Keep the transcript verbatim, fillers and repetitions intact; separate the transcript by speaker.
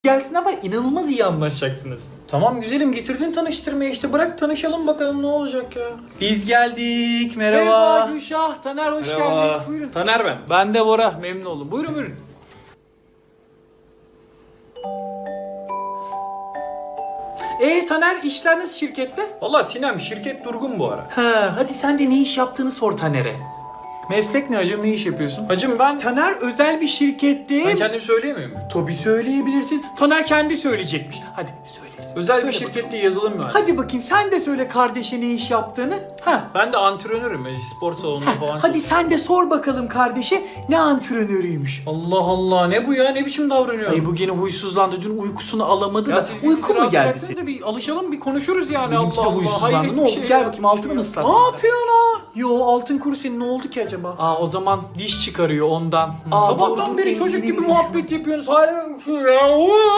Speaker 1: gelsin ama inanılmaz iyi anlaşacaksınız.
Speaker 2: Tamam güzelim, getirdin tanıştırmaya işte, bırak tanışalım bakalım ne olacak ya.
Speaker 1: Biz geldik. Merhaba.
Speaker 2: Merhaba.
Speaker 1: Gülşah, Taner hoş
Speaker 2: Merhaba.
Speaker 1: geldiniz. Buyurun.
Speaker 2: Taner ben.
Speaker 1: Ben de Bora, memnun oldum. Buyurun buyurun. Ee Taner, işler nasıl şirkette?
Speaker 2: Valla Sinem, şirket durgun bu ara.
Speaker 1: Ha, hadi sen de ne iş yaptığını sor Taner'e.
Speaker 2: Meslek ne hacım, ne iş yapıyorsun? Hacım ben...
Speaker 1: Taner özel bir şirkette.
Speaker 2: Ben kendim söyleyemiyor muyum?
Speaker 1: Tabii söyleyebilirsin. Taner kendi söyleyecekmiş. Hadi söylesin.
Speaker 2: Özel
Speaker 1: Söyle
Speaker 2: bir
Speaker 1: bakalım.
Speaker 2: şirkette yazılım mühendisi.
Speaker 1: Hadi bakayım sen de söyle kardeşe ne iş yaptığını. Ha.
Speaker 2: Ben de antrenörüm, spor salonunda
Speaker 1: Ha,
Speaker 2: falan.
Speaker 1: hadi sen de sor bakalım kardeşe ne antrenörüymüş.
Speaker 2: Allah Allah, ne bu ya, ne biçim davranıyor?
Speaker 1: Ay bu gene huysuzlandı. Dün uykusunu alamadı
Speaker 2: Ya
Speaker 1: da.
Speaker 2: siz bir
Speaker 1: Uyku
Speaker 2: bizi
Speaker 1: mu
Speaker 2: rahat
Speaker 1: geldi
Speaker 2: bıraksanıza,
Speaker 1: senin?
Speaker 2: bir alışalım, bir konuşuruz yani.
Speaker 1: Benimki de
Speaker 2: Allah Allah,
Speaker 1: huysuzlandı.
Speaker 2: hayret
Speaker 1: Ne
Speaker 2: bir
Speaker 1: oldu?
Speaker 2: şey
Speaker 1: Gel
Speaker 2: ya.
Speaker 1: bakayım, altını mı ıslattın
Speaker 2: Ne
Speaker 1: sen?
Speaker 2: yapıyorsun lan?
Speaker 1: Yo, altın kuru senin ne oldu ki acaba?
Speaker 2: Aa, o zaman diş çıkarıyor ondan.
Speaker 1: Aa,
Speaker 2: Sabahtan
Speaker 1: dur,
Speaker 2: beri
Speaker 1: dur,
Speaker 2: çocuk
Speaker 1: enzini
Speaker 2: gibi
Speaker 1: bir
Speaker 2: muhabbet yapıyorsunuz. Hayır ya.